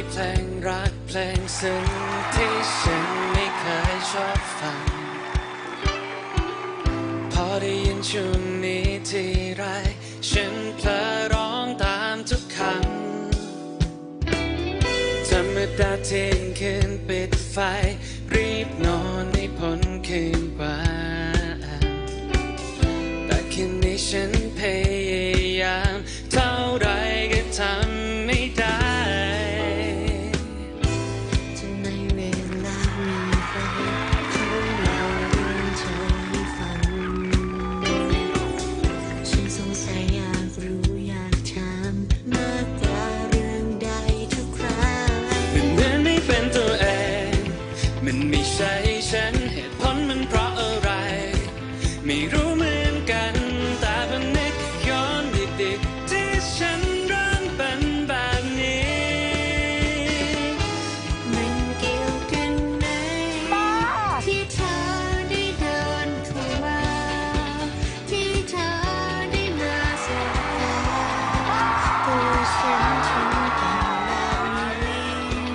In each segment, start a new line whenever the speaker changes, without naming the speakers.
เพลงรักเพลงซึ้งที่ฉันไม่เคยชอบฟังพอได้ยินช่วงนี้ทีไรฉันเพลอร้องตามทุกคำธรรมดาเที่ยงคืนปิดไฟรีบนอนให้พ้นคืนวันแต่คืนนี้ฉันพยายามเท่าไรก็ทำไม่ได้
ทำไมเวลามีไฟเขาเล่าเรื่องเธอให้ฟังฉันสงสัยอยากรู้อยากถามมากกว่าเรื่องใดทุกครั้ง
มันเหมือนไม่เป็นตัวเองมันไม่ใช่ฉันเหตุผลมันเพราะอะไรไม่รู้เหมือนกันแต่มันนึกย้อนดิบๆที่ฉันเริ่มเป็นแบบนี้
มันเกี่ยวกันไหมที่เธอได้เดินเข้ามาที่เธอได้มาสบตาตัวฉันถึงเป็นแบบนี้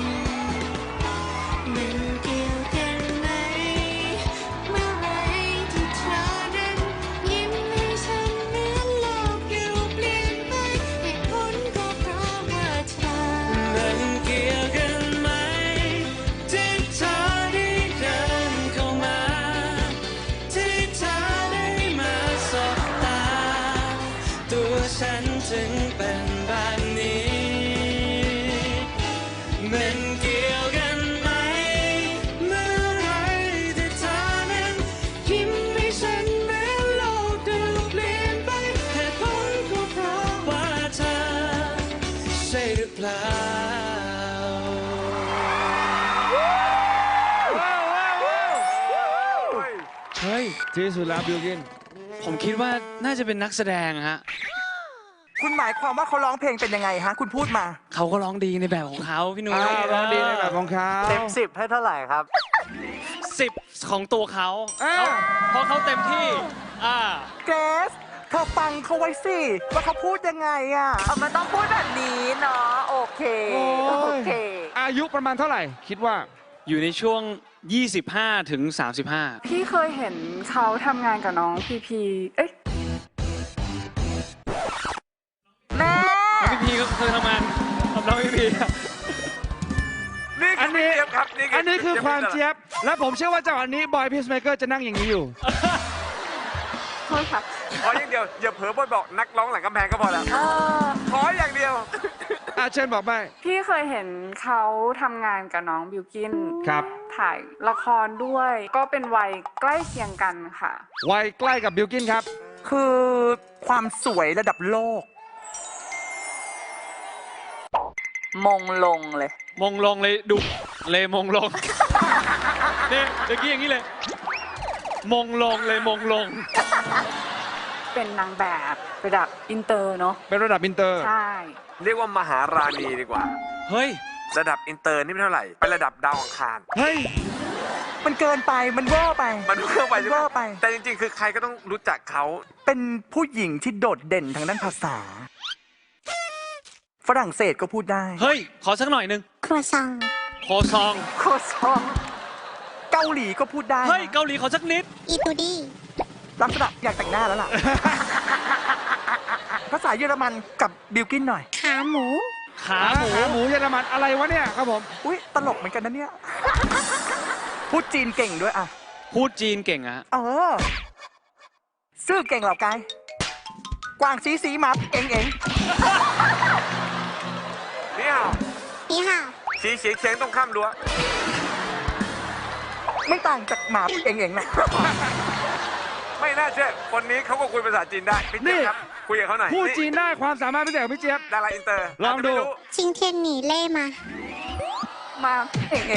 มันเกี่ยวกันไหมเมื่อไรที่เธอนั้นยิ้มให้ฉันเหมือนโลกอยู่เปลี่ยนไปเหตุผลก็เพราะว่าเธอ
มันเกี่ยวกันไหมที่เธอได้เดินเข้ามาที่เธอได้มาสบตาตัวฉันถึงเป็นแบบนี้มันเกี่ยวกันไหมเมื่อไรที่เธอนั้นยิ้มให้ฉันเหมือนโลกดูเปลี่ยนไปเหตุผลก็เพราะว่าเธอใช่หรือเปล่าเฮ้ย
ที่สุดแล้วบิลกิน
ผมคิดว่าน่าจะเป็นนักแสดงฮะ
คุณหมายความว่าเขาร้องเพลงเป็นยังไงฮะคุณพูดมา
เขาก็ร้องดีในแบบของเขาพี่นุ้ย
ร้องดีในแบบของเขา
เต็ม10ให้เท่าไหร่ครับ
10ของตัวเขาเพราะเขาเต็มที่
เกรซเธอฟังเขาไว้สิว่าเขาพูดยังไงอ่ะ
มันต้องพูดแบบนี้เนาะโอเค โอเค
อายุประมาณเท่าไหร่ คิดว่า
อยู่ในช่วง 25 ถึง 35
พี่เคยเห็นเขาทำงานกับน้องพีพีเอ้ย
แม่
พี่พีก็เคยทำงานกับน้องพี่พี
อันนี้คือความเจี๊ยบ และผมเชื่อว่าจังหวะนี้บอยพีซเมเกอร์จะนั่งอย่างนี้อยู่
โทษค่ะ
ขออย่างเดียวอย่าเผลอบอกนักร้องหลังกำแพงก็พอแล้วขออย่างเดียว
เชิญบอกไป
พี่เคยเห็นเขาทำงานกับน้องบิวกิน
ครับ
ถ่ายละครด้วย ก็เป็นวัยใกล้เคียงกันค่ะ
วัยใกล้กับบิลกินครับ
คือความสวยระดับโลก
มงลงเลย
มงลงเลยดุเลยมงลงเนี่ยเมื่อกี้อย่างนี้เลย มงลงเลยมงลง
เป็นนางแบบระดับอินเตอร์เนาะ
เป็นระดับอินเตอร์
ใช่
เรียกว่ามหาราณีดีกว่า
เฮ้ย
ระดับอินเตอร์นี่ไม่เท่าไหร่ไประดับดาวอังคาร
เฮ้ย
มันเกินไปมันเวอร์ไป
มันเพิ่มไปใช่ไห
เว
ม
อร์ไป
แต่จริงๆ คือใครก็ต้องรู้จักเขา
เป็นผู้หญิงที่โดดเด่นทางด้านภาษา ฝรั่งเศสก็พูดได้
เฮ้ย ขอสักหน่อยหนึง
ครัวซอง
โคซอง
โคซองเกาหลีก็พูดได้
เฮ้ย เกาหลีขอสักนิด
อีตูดี้
ลักษณะอยากแต่งหน้าแล้วล่ะ ภาษาเยอรมันกับบิลกินหน่อย
ขาหมู
ขาหมู
ขาหมูเยอรมันอะไรวะเนี่ยครับผม
อุ้ยตลกเหมือนกันนะเนี่ย พูดจีนเก่งด้วยอ่ะ
พูดจีนเก่งอะ
เออ ซื่อเก่งเหล่ากายกวางสีหมาเอง
นี่ห่าว
นี่ค่ะ
สีเฉียงเฉียงต้องข้ามรั้ว
ไม่ต่างจากหมาเองนะ
ไม่น่าเชื่อ คนนี้เขาก็คุยภาษาจีนได้พี่เจี๊ยบครับ คุยกับเขาหน่อย
พูดจีนได้ความสามารถพิเศษของพี่เจี๊ยบ
ดาราอินเตอร์
ลองดู
าจจะไม่รู้
ชิงเทียนหนีเล่มา
มาเอง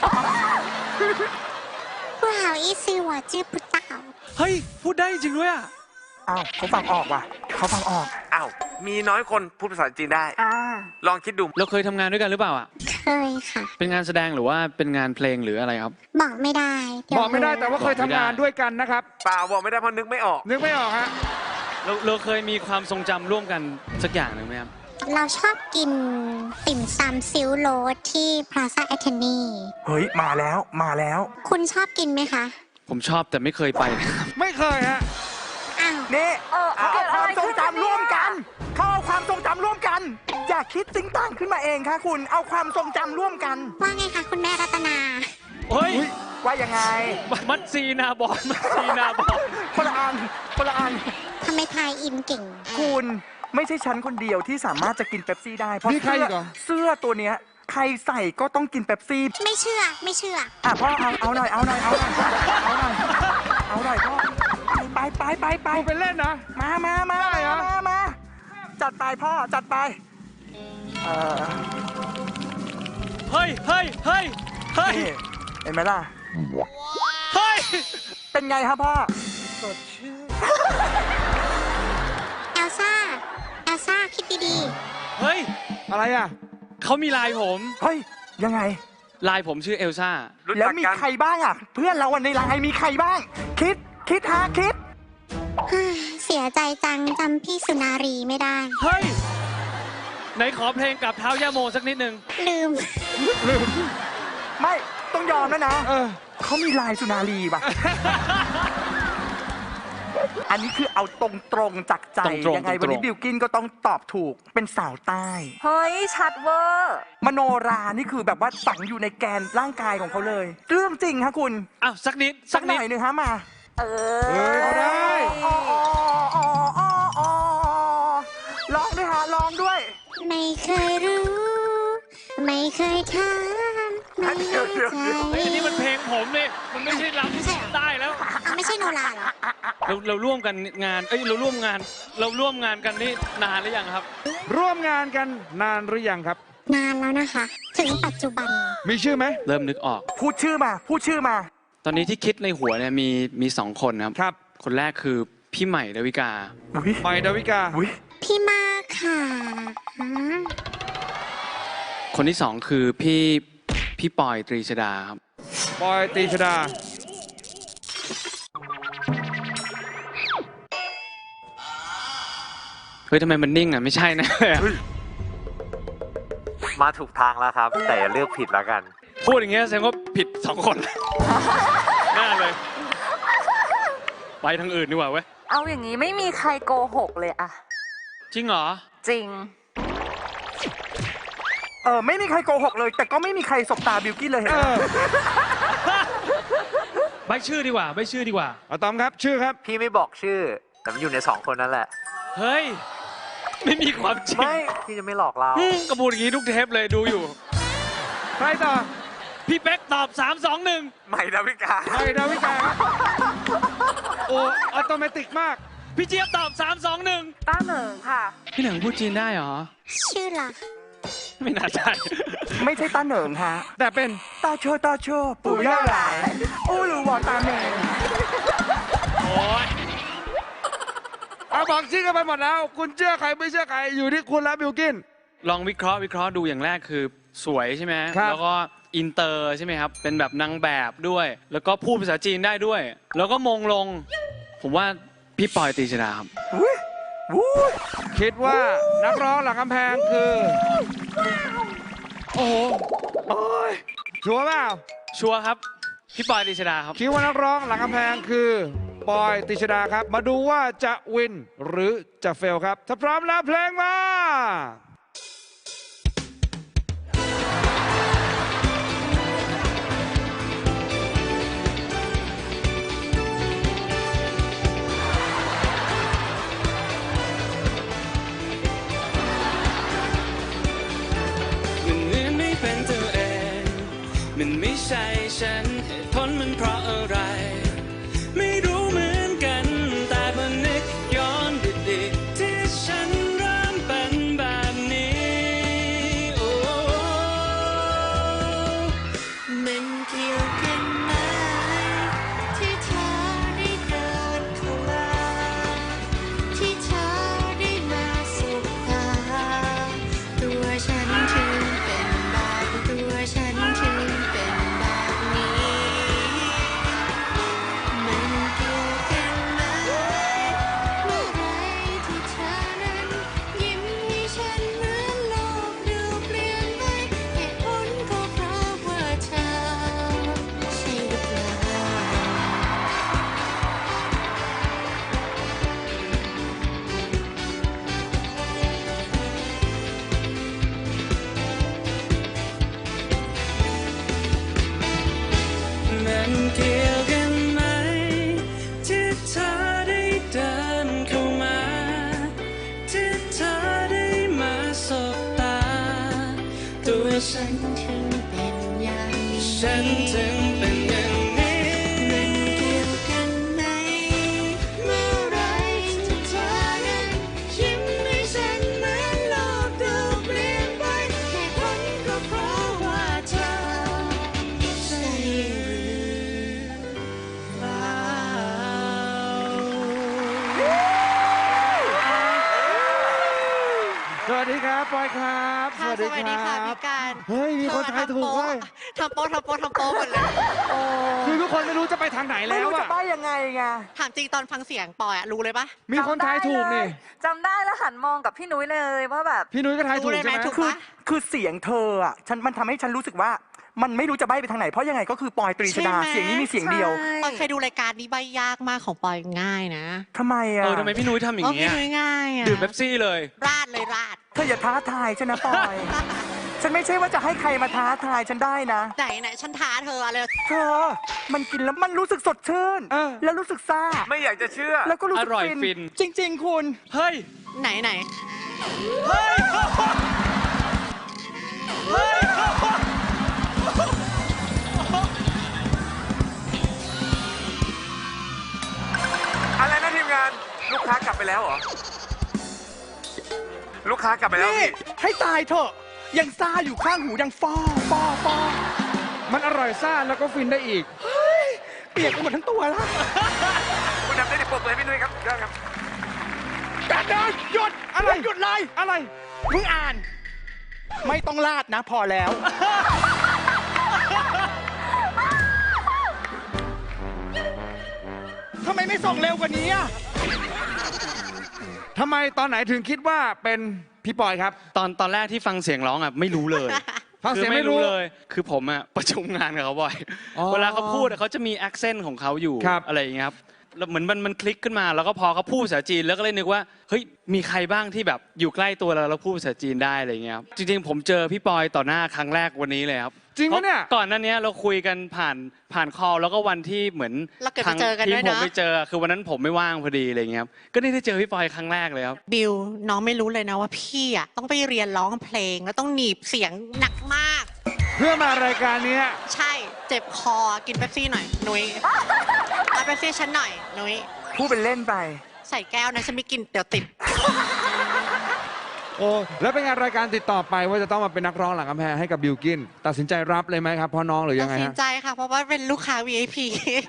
ผู้好意思我知不道
เฮ้ย พูดได้จริงด้วยอะ
อ้าวเขาฟังออกว่ะเขาฟังออก
อ้าว มีน้อยคนพูดภาษาจีนได้
อ่า
ลองคิดดู
เราเคยทำงานด้วยกันหรือเปล่าอะ
เคยค่ะ
เป็นงานแสดงหรือว่าเป็นงานเพลงหรืออะไรครับ
บอกไม่ได้เดี๋ยว
บอกไม่ได้แต่ว่าเคยทำงานด้วยกันนะครับ
เปล่าบอกไม่ได้เพราะนึกไม่ออก
นึกไม่ออกฮะ
เราเคยมีความทรงจำร่วมกันสักอย่างหนึ่งไหมครับ
เราชอบกินติ่มซำซิลโรสที่พลาซ่าแอทเทนี
เฮ้ย มาแล้วมาแล้ว
คุณชอบกินไหมคะ
ผมชอบแต่ไม่เคยไป ไม่เคยฮะ
อ้าว
นี่
เอา
เอาความทรงจำร่วมกัน
เกิดอะไรขึ้น
เขาเอาความทรงจำร่วมกัน อย่าคิดติ้งต่างขึ้นมาเองค่ะคุณ เอาความทรงจำร่วมกัน
ว่าไงคะคุณแม่รัตนา
เฮ้ย
ว่ายังไง
มัดซีนาบอลมัดซีนาบอล
คนละอันคนละอัน
ทำไมทายอินเก่ง
คุณไม่ใช่ฉันคนเดียวที่สามารถจะกินเป๊ปซี่ได้ เพราะ
มีใครอีกเหรอ
เสื้อตัวเนี้ยใครใส่ก็ต้องกินเป๊ปซี่
ไม่เชื่อไม่เชื่อ
อ่ะพ่อเอาหน่อยเอาหน่อยเอาหน่อยเอาหน่อยเอาหน่อยพ่อไป
ไปเล่นนะ
มา
ได้เหรอ
มาจัดไปพ่อจัดไปเออ
เฮ้ย
นี่เห็นไหมล่ะ
เฮ้ย
เป็นไงครับพ่อ
เอลซ่าคิดดี
เฮ้ย อะไรอ่ะ เขามีไลน์ผม
เฮ้ยยังไง
ไลน์ผมชื่อเอลซ่า
รู้
แล้ว
จัก
มี
กัน
ใครบ้างอ่ะ เพื่อนเราวันในไลน์มีใครบ้าง คิด
ๆ เสียใจจังจำพี่สุนารีไม่ได้
เฮ้ย ไหนขอเพลงกับเท้าย่าโมสักนิดนึง
ลืม
ไม่ต้องยอมแล้วนะ
เออ
เขามีลายสุนารีป่ะ อันนี้คือเอาตรงๆจากใจ
ตรงๆ
ยังไง
ตรงๆ
วันนี้บิวกินก็ต้องตอบถูกเป็นสาวใต้
เฮ้ย ชัดเวอร์
มโนรานี่คือแบบว่าฝังอยู่ในแกนร่างกายของเขาเลย เรื่องจริงฮะคุณ
อ้าวสักนิด
สักหน่อยหนึ่งฮะมา
เออ
เฮ้ยเอาได้
ร้องด้วยฮะร้องด้วย
ไม่เคยรู้ ไม่เคยถามไม่แน่ใจ
เฮ้ยอันนี้มันเพลงผมเนี่ยมันไม่ใช่รำได้แล้ว
ไม่ใช่โนราเหรอ
เราร่วมกันงาน เราร่วมงานกันนี่นานหรือยังครับ ร่วมงานกันนานหรือยังครับ
นานแล้วนะคะ ถึงปัจจุบัน
มีชื่อไหม เริ่มนึกออก
พูดชื่อมา
ตอนนี้ที่คิดในหัวเนี่ยมีสองคนครับ ครับ คนแรกคือพี่ใหม่ดาวิกา
อุ๊ย
ใหม่ดาวิกา
อุ๊ย
พี่มากค่ะฮะ
คนที่สองคือพี่ปอยตรีชดาครับ
ปอยตรีชดา
เฮ้ยทำไมมันนิ่งอ่ะ ไม่ใช่นะ
มาถูกทางแล้วครับ แต่อย่าเลือกผิดแล้วกัน
พูดอย่างเงี้ยแสดงว่าผิดสองคน แน่เลย ไปทางอื่นดีกว่าเว้ย
เอาอย่างนี้ไม่มีใครโกหกเลยอะ
จริงเหรอ
จริง
ไม่มีใครโกหกเลย แต่ก็ไม่มีใครสบตาบิวกิ้นเลยเห็นไหม
ใบชื่อดีกว่าใบชื่อดีกว่า
อะตอมครับ ชื่อครับ
พี่ไม่บอกชื่อ แต่มันอยู่ใน2 คนนั่นแหละ
เฮ้ย ไม่มีความจริง
ไม่ พี่จะไม่หลอกเรา
กระบูดอย่างนี้ทุกเทปเลยดูอยู่
ใครต่อ
พี่เป๊กตอบ 3 2 1
ใหม่ดาวิกา
ใครดาวิกาครับโอ้ออโตเมติกมาก
พี่เจี๊ยบตอบ 3 2 1
ต้าเหนิงค่ะ
พี่หนังพูดจีนได้เหรอ
ชื่อล่ะ
ไม่น่าใช่
ไม่ใช่ตาเหนิงฮะ
แต่เป็น
ตาโชปู่ย่าหลายโอ้ลูวอตาแมง
โอ้ย
เอาบอกชื่อกันไปหมดแล้ว คุณเชื่อใครไม่เชื่อใคร อยู่ที่คุณแล้วบิวกิน
ลองวิเคราะห์ดูอย่างแรกคือสวยใช่ไหม
ครับ
แล้วก็อินเตอร์ใช่ไหมครับ เป็นแบบนางแบบด้วย แล้วก็พูดภาษาจีนได้ด้วย แล้วก็มงลง ผมว่าพี่ปอยตรีชดาครับ
คิดว่านักร้องหลังกำแพงคือ โอ้โหชัวร์เปล่า
ชัวร์ครับ พี่ปอยตรีชดาครับ
คิดว่านักร้องหลังกำแพงคือปอยตรีชดาครับ มาดูว่าจะวินหรือจะเฟลครับ ถ้าพร้อมแล้วเพลงมา
มันเหมือนไม่เป็นตัวเอง มันไม่ใช่ฉัน เหตุผลมันเพราะอะไร ไม่รู้เหมือนกัน แต่พอนึกย้อนดีๆที่ฉันเริ่มเป็นแบบนี้ โอ้มันเกี่ยวกันไหมที่เธอได้เดินเข้ามาที่เธอได้มาสบตาตัวฉันถึงเป็นแบบตัวฉันถึงเป็นแบบนี้
ราะฉันถึงเป็นอย่างนี้
ฉันถึงเป็นอย่างนี้
มันเกี่ยวกันไหมเมื่อไรที่เธอนั้นยิ้มให้ฉันเหมือนโลกดูเปลี่ยนไปเหตุผลก็เพราะว่าเธอใช่หรือเปล่า
สวัสดีครับปอยครับ
ค่ะสวัสดีค่ะพี่การ
เฮ้ยมีคนทายถูกเว้ย
ทำโป๊ะหมดเลย
คือทุกคนไม่รู้จะไปทางไหน
ไม่
แล้ว
รู้จะ
อะ
ใบ้ยังไงไง
ถามจริงตอนฟังเสียงปอยอะรู้เลยปะ
มีคนทายถูกนี่
จำได้แล้วหันมองกับพี่นุ้ยเลยว่าแบบ
พี่นุ้ยก็ทายถูก
รู้เลยไหม
ใช่ไหม
ถูก
คือเสียงเธออ่ะมันทำให้ฉันรู้สึกว่า มันไม่รู้จะใบ้ไปทางไหน เพราะยังไงก็คือปอยตรีชดา เสียงนี้มีเสียงเดียว
ปอยเคยดูรายการนี้ใบยากมากของปอยง่ายนะ
ทำไมอ่ะ
ทำไมพี่นุ้ยทำอย่าง
พี่
เงี้ย
นุ้ยง่ายอะ
ดื่มเป๊ปซี่เลย
ราดเลยราด
เธออย่าท้าทายฉันนะปอย ฉันไม่ใช่ว่าจะให้ใครมาท้าทายฉันได้นะ
ไหนฉันท้าเธออะไร
เธอ มันกินแล้วมันรู้สึกสดชื่น แล้วรู้สึกซ่า
ไม่อยากจะเชื่อ
แล้วก็รู้สึก
อร่อยฟิน
จริง ๆ คุณ
เฮ้ย
ไหน
อะไรนะทีมงาน ลูกค้ากลับไปแล้วเหรอ ลูกค้ากลับไปแล้ว
นี่
พี่
ให้ตายเถอะ ยังซ่าอยู่ข้างหูยังฟอ
มันอร่อยซ่าแล้วก็ฟินได้อีก
เปียกไปหมดทั้งตัวแล้ว
คุณทำได้ดีปรบมือให้พี่นุ้ยครับได้ครับ
การเดินหยุด
อะไร
หยุดเลย
อะไร
มึงอ่าน ไม่ต้องลาดนะพอแล้ว ทำไมไม่ส่งเร็วกว่านี้อ่ะ
ทำไมตอนไหนถึงคิดว่าเป็นพี่ปอยครับ
ตอนแรกที่ฟังเสียงร้องอ่ะไม่รู้เลย
ฟังเสียง
คือ
ไม่รู้
เลย คือผมอ่ะประชุมงานกับเขาบ่อย
อ๋อ
เวลาเขาพูดอะเขาจะมี accent ของเขาอยู่
ครับ
อะไรอย่างเงี้ยครับแล้วเหมือนมันคลิกขึ้นมา แล้วก็พอเขาพูดภาษาจีนแล้วก็เลยนึกว่าเฮ้ยมีใครบ้างที่แบบอยู่ใกล้ตัวเราแล้วพูดภาษาจีนได้อะไรอย่างเงี้ยครับจริงๆผมเจอพี่ปอยต่อหน้าครั้งแรกวันนี้เลยครับ
จริงปะเนี่ย
ก่อนหน้านี้เราคุยกันผ่านคอลแล้วก็วันที่เหมือน
เราเกิดไปเจอกัน
ที
ด้วย
ผม
นะ
ไปเจอคือวันนั้นผมไม่ว่างพอดีอะไรอย่างเงี้ยครับก็ได้เจอพี่ปอยครั้งแรกเลยครับ
บิวน้องไม่รู้เลยนะว่าพี่อะต้องไปเรียนร้องเพลงแล้วต้องหนีบเสียงหนักมาก
เพื่อมารายการนี้
ใช่เจ็บคอกินเป๊ปซี่หน่อยนุ้ยเอาเป๊ปซี่ฉันหน่อยนุ้ย
พูดเป็นเล่นไป
ใส่แก้วนะฉันไม่กินเดี๋ยวติด
โอ้แล้วเป็นไงรายการติดต่อไปว่าจะต้องมาเป็นนักร้องหลังกำแพงให้กับบิลกินตัดสินใจรับเลยไหมครับพ่อน้องหรือ
ตั
ยั
ด
งไง
สิน
ฮะ
ใจค่ะ เพราะว่าเป็นลูกค้า VIP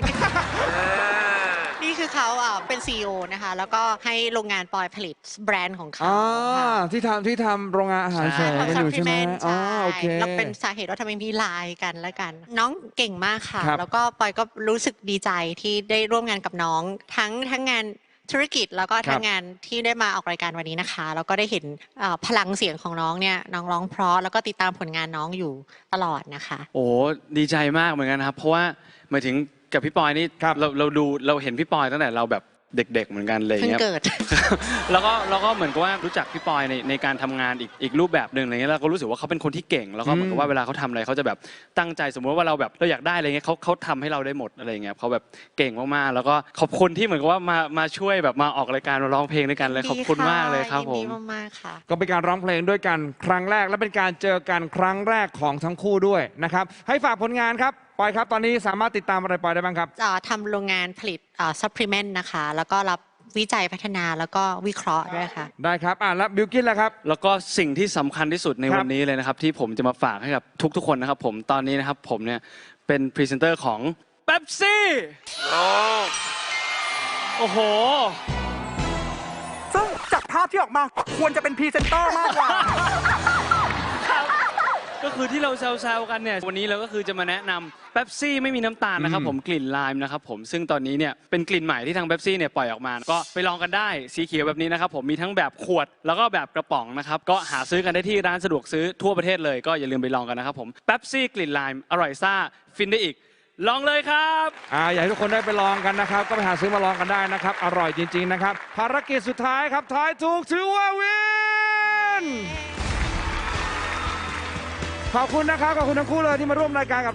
นี่คือเขาเป็น CEO นะคะ แล้วก็ให้โรงงานปอยผลิตแบรนด์ของเขา
อ๋อ
ค่ะ
ที่ทำโรงงานอาหารเสริมกันอยู่ใช่ไหม
supplement
อ๋อ
ใช่
โอเค
แล้วเป็นสาเหตุว่าทำไมมีไลน์กันแล้วกัน น้องเก่งมากค่ะ
ครับ
แล้วก็ปอยก็รู้สึกดีใจที่ได้ร่วมงานกับน้องทั้งงานธุรกิจแล้วก็ทั้งงานที่ได้มาออกรายการวันนี้นะคะ แล้วก็ได้เห็นพลังเสียงของน้องเนี่ยน้องร้องเพราะแล้วก็ติดตามผลงานน้องอยู่ตลอดนะคะ
โอ้ดีใจมากเหมือนกันครับ เพราะว่าหมายถึงกับพี่ปอยนี่
ครับ
เราเห็นพี่ปอยตั้งแต่เราแบบเด็กๆเหมือนกันเลย
เพิ่ง
เงี้ย
เกิด
แล้วก็เหมือนกับว่ารู้จักพี่ปอยในการทำงานอีกรูปแบบหนึ่งอะไรเงี้ยแล้วก็รู้สึกว่าเขาเป็นคนที่เก่ง แล้วก็เหมือนกับว่าเวลาเขาทำอะไรเขาจะแบบตั้งใจสมมติว่าเราแบบเราอยากได้อะไรเงี้ยเขาทำให้เราได้หมดอะไรเงี้ยเขาแบบเก่งมากๆแล้วก็ขอบคุณที่เหมือนกับว่ามาช่วยแบบมาออกรายการมาร้องเพลงด้วยกันเลยขอบคุณมากเลยครับผ
ยิน
ม
ดีมากๆค่ะ
ก็เป็นการร้องเพลงด้วยกันครั้งแรกและเป็นการเจอกันครั้งแรกของทั้งคู่ด้วยนะครับให้ฝากผลงานครับปอยครับตอนนี้สามารถติดตามอะไรปอยได้บ้างครับ
ทำโรงงานผลิตsupplement นะคะ แล้วก็รับวิจัยพัฒนาแล้วก็วิเคราะห์ด้วยค่ะ
ได้ครับแล้วบิลกินล่ะครับ
แล้วก็สิ่งที่สำคัญที่สุดใน
ครับ
วันนี้เลยนะครับ ที่ผมจะมาฝากให้กับทุกๆคนนะครับผมตอนนี้นะครับผมเนี่ยเป็นพรีเซนเตอร์ของเป๊ปซี่ โอ้โห
ซึ่งจากภาพที่ออกมาควรจะเป็นพรีเซนเตอร์มากกว่า
ก็คือที่เราแซวๆกันเนี่ยวันนี้เราก็คือจะมาแนะนำเป๊ปซี่ไม่มีน้ำตาลนะครับผมกลิ่นไลม์นะครับผมซึ่งตอนนี้เนี่ยเป็นกลิ่นใหม่ที่ทางเป๊ปซี่เนี่ยปล่อยออกมา ก็ไปลองกันได้สีเขียวแบบนี้นะครับผมมีทั้งแบบขวดแล้วก็แบบกระป๋องนะครับก็หาซื้อกันได้ที่ร้านสะดวกซื้อทั่วประเทศเลยก็อย่าลืมไปลองกันนะครับผมเป๊ปซี่กลิ่นไลม์อร่อยซ่าฟินได้อีกลองเลยครับ
อยากให้ทุกคนได้ไปลองกันนะครับ ก็ไปหาซื้อมาลองกันได้นะครับ อร่อยจริง ๆ นะครับ ภารกิจสุดท้ายครับทายถูกถือว่าวินขอบคุณนะครับขอบคุณทั้งคู่เลยที่มาร่วมรายการกับ